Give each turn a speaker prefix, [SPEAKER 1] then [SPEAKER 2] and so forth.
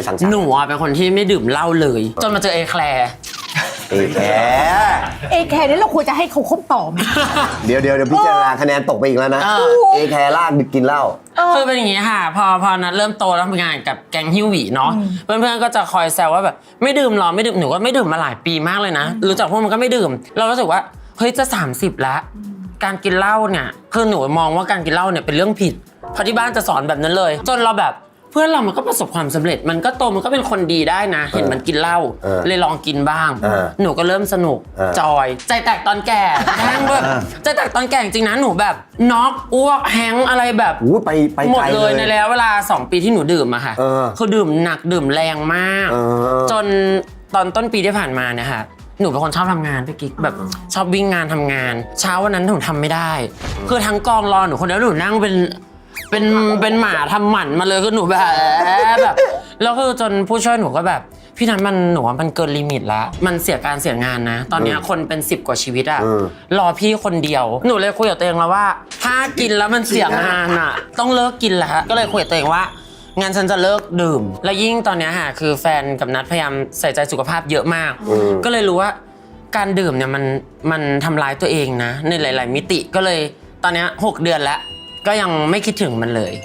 [SPEAKER 1] สังสรรค์
[SPEAKER 2] หนูเป็นคนที่ไม่ดื่มเหล้าเลยจนมาเจอเอแคลร์
[SPEAKER 1] เอแค
[SPEAKER 3] นี่เราควรจะให้เขาคบต่อไหม
[SPEAKER 1] เดี๋ยวพิจารณาคะแนนตกไปอีกแล้วนะเอแคลากกินเหล้า
[SPEAKER 2] คือเป็นอย่างนี้ค่ะพอนัดเริ่มโตแล้วทำงานกับแก๊งฮิวหวีเนาะเพื่อนๆก็จะคอยแซวว่าแบบไม่ดื่มหรอไม่ดื่มหนูก็ไม่ดื่มมาหลายปีมากเลยนะรู้จักพวกมันก็ไม่ดื่มเรารู้สึกว่าเฮ้ยจะ30แล้วการกินเหล้าเนี่ยคือหนูมองว่าการกินเหล้าเนี่ยเป็นเรื่องผิดเพราะที่บ้านจะสอนแบบนั้นเลยจนเราแบบเพื่อนเรามันก็ประสบความสำเร็จมันก็โตมันก็เป็นคนดีได้นะเห็นมันกินเหล้าเลยลองกินบ้างหนูก็เริ่มสนุกจอยใจแตกตอนแก่แห้งแบบใจแตกตอนแก่จริงๆนะหนูแบบน็อกอ้วกแห้งอะไรแบบ
[SPEAKER 1] ไป
[SPEAKER 2] หมดเลยในแล้วเวลา2 ปีที่หนูดื่มอะค่ะคือดื่มหนักดื่มแรงมากจนตอนต้นปีที่ผ่านมาเนี่ยค่ะหนูเป็นคนชอบทำงานพี่กิ๊กแบบชอบวิ่งงานทำงานเช้าวันนั้นหนูทำไม่ได้คือทั้งกองรอหนูคนเดียวหนูนั่งเป็นหมาทำหมันมาเลยคือหนูแบบแล้วคือจนผู้ช่วยหนูก็แบบพี่นั้นหนูว่ามันเกินลิมิตแล้วมันเสียการเสียงานนะตอนนี้คนเป็น10 กว่าชีวิตอะรอพี่คนเดียวหนูเลยคุยกับตัวเองแล้วว่าถ้ากินแล้วมันเสียงานอะต้องเลิกกินแล้วก็เลยคุยกับตัวเองว่างั้นฉันจะเลิกดื่มแล้วยิ่งตอนนี้ค่ะคือแฟนกับนัทพยายามใส่ใจสุขภาพเยอะมากก็เลยรู้ว่าการดื่มเนี่ยมันทำร้ายตัวเองนะในหลายๆมิติก็เลยตอนนี้6 เดือนแล้วก็ยังไม่คิดถึงมันเลย